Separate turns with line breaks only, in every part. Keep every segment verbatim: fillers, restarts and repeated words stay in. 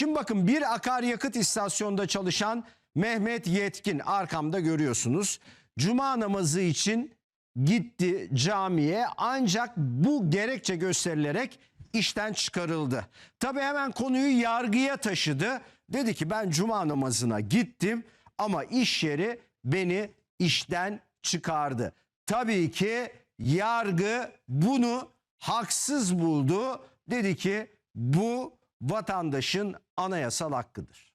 Şimdi bakın, bir akaryakıt istasyonunda çalışan Mehmet Yetkin, arkamda görüyorsunuz. Cuma namazı için gitti camiye, ancak bu gerekçe gösterilerek işten çıkarıldı. Tabii hemen konuyu yargıya taşıdı. Dedi ki ben cuma namazına gittim ama iş yeri beni işten çıkardı. Tabii ki yargı bunu haksız buldu. Dedi ki bu vatandaşın anayasal hakkıdır.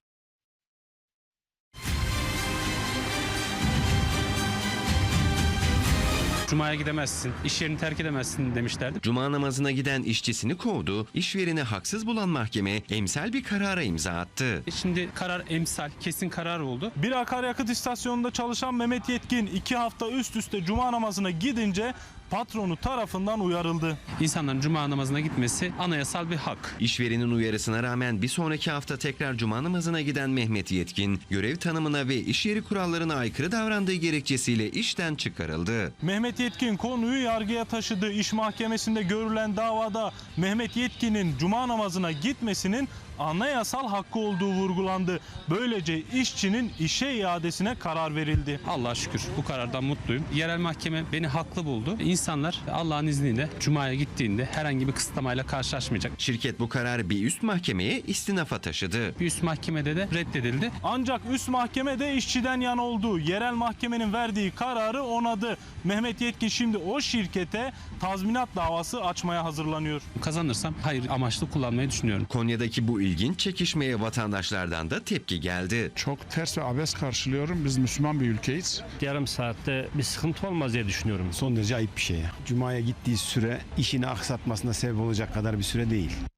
Cuma'ya gidemezsin, iş yerini terk edemezsin demişlerdi.
Cuma namazına giden işçisini kovdu, işvereni haksız bulan mahkeme emsal bir karara imza attı.
Şimdi karar emsal, kesin karar oldu.
Bir akaryakıt istasyonunda çalışan Mehmet Yetkin iki hafta üst üste cuma namazına gidince patronu tarafından uyarıldı.
İnsanların cuma namazına gitmesi anayasal bir hak.
İşverenin uyarısına rağmen bir sonraki hafta tekrar cuma namazına giden Mehmet Yetkin, görev tanımına ve iş yeri kurallarına aykırı davrandığı gerekçesiyle işten çıkarıldı.
Mehmet Yetkin konuyu yargıya taşıdı. İş mahkemesinde görülen davada Mehmet Yetkin'in cuma namazına gitmesinin anayasal hakkı olduğu vurgulandı. Böylece işçinin işe iadesine karar verildi.
Allah'a şükür bu karardan mutluyum. Yerel mahkeme beni haklı buldu. İnsanlar Allah'ın izniyle Cuma'ya gittiğinde herhangi bir kısıtlamayla karşılaşmayacak.
Şirket bu kararı bir üst mahkemeye istinafa taşıdı.
Bir üst mahkemede de reddedildi.
Ancak üst mahkeme de işçiden yana oldu. Yerel mahkemenin verdiği kararı onadı. Mehmet Yetkin şimdi o şirkete tazminat davası açmaya hazırlanıyor.
Kazanırsam hayır amaçlı kullanmayı düşünüyorum.
Konya'daki bu ilginç çekişmeye vatandaşlardan da tepki geldi.
Çok ters ve abes karşılıyorum. Biz Müslüman bir ülkeyiz.
Yarım saatte bir sıkıntı olmaz diye düşünüyorum.
Son derece ayıp bir şey. Cuma'ya gittiği süre işini aksatmasına sebep olacak kadar bir süre değil.